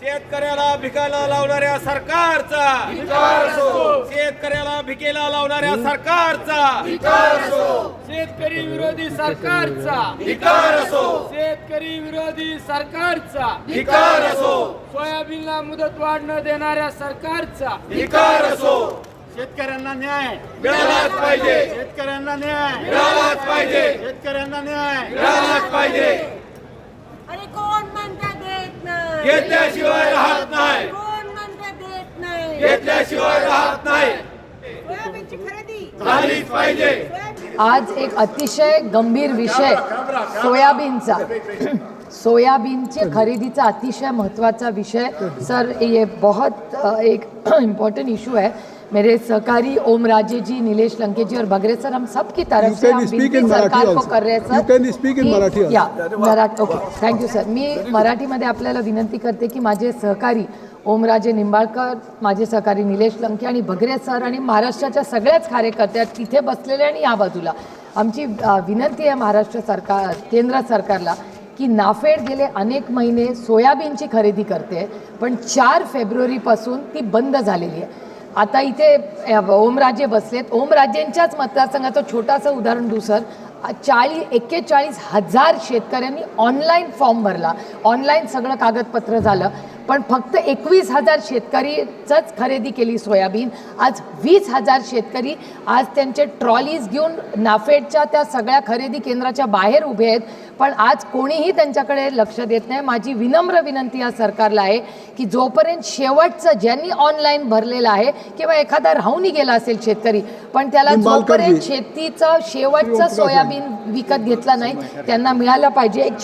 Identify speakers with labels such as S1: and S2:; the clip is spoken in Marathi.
S1: शेतकऱ्याला भिकायला लावणाऱ्या सरकारचा शेतकऱ्याला भिकेला लावणाऱ्या सरकारचा
S2: शेतकरी विरोधी सरकारचा
S1: धिक्कार असो
S2: शेतकरी विरोधी सरकारचा
S1: धिक्कार असो
S2: सोयाबीनला मुदत वाढ न देणाऱ्या सरकारचा
S1: धिक्कार असो
S3: शेतकऱ्यांना न्याय
S1: मिळालाच पाहिजे
S3: शेतकऱ्यांना न्याय
S1: मिळालाच पाहिजे
S3: शेतकऱ्यांना न्याय
S1: मिळालाच पाहिजे
S4: अरे कोण म्हणता देत नाही
S1: घेतल्याशिवाय राहत नाही
S4: कोण म्हणता देत नाही
S1: घेतल्याशिवाय राहत नाही
S4: सोयाबीनची खरेदी
S1: झालीच पाहिजे
S5: आज एक अतिशय गंभीर विषय सोयाबीनचा सोयाबीनचे खरीदीचा अतिशय महत्त्वाचा विषय सर ये बहुत एक इम्पोर्टेंट इशू है। मेरे सहकारी ओम राजे जी, नीलेश लंके जी और बगरे सर, हम सब की तरफ से हम विनती सरकार को कर रहे हैं sir.
S6: You can speak in Marathi also.
S5: या मराठी ओके, थँक्यू सर। मी मराठीमध्ये आपल्याला विनंती करते की माझे सहकारी ओमराजे निंबाळकर, माझे सहकारी निलेश लंके आणि बगरे सर आणि महाराष्ट्राच्या सगळ्याच कार्यकर्ते तिथे बसलेले आणि या बाजूला आमची विनंती आहे महाराष्ट्र सरकार, केंद्र सरकारला की नाफेड गेले अनेक महिने सोयाबीनची खरेदी करते, पण 4 फेब्रुवारीपासून ती बंद झालेली आहे। आता इथे ओमराजे बसलेत, ओमराजेंच्याच मतदारसंघाचं छोटासा उदाहरण देऊ सर। 41,000 शेतकऱ्यांनी ऑनलाईन फॉर्म भरला, ऑनलाईन सगळं कागदपत्र झालं, पण फक्त 21,000 शेतकरीच खरेदी केली सोयाबीन। आज 20,000 शेतकरी आज त्यांचे ट्रॉलीज घेऊन नाफेडच्या त्या सगळ्या खरेदी केंद्राच्या बाहेर उभे आहेत, पण आज कोणीही त्यांच्याकडे लक्ष देत नाही। माझी विनम्र विनंती या सरकारला आहे की जोपर्यंत शेवटचं ज्यांनी ऑनलाईन भरलेलं आहे किंवा एखादा राहूनही गेला असेल शेतकरी, पण त्याला जोपर्यंत शेतीचं शेवटचं सोयाबीन विकत घेतला नाही त्यांना मिळालं पाहिजे।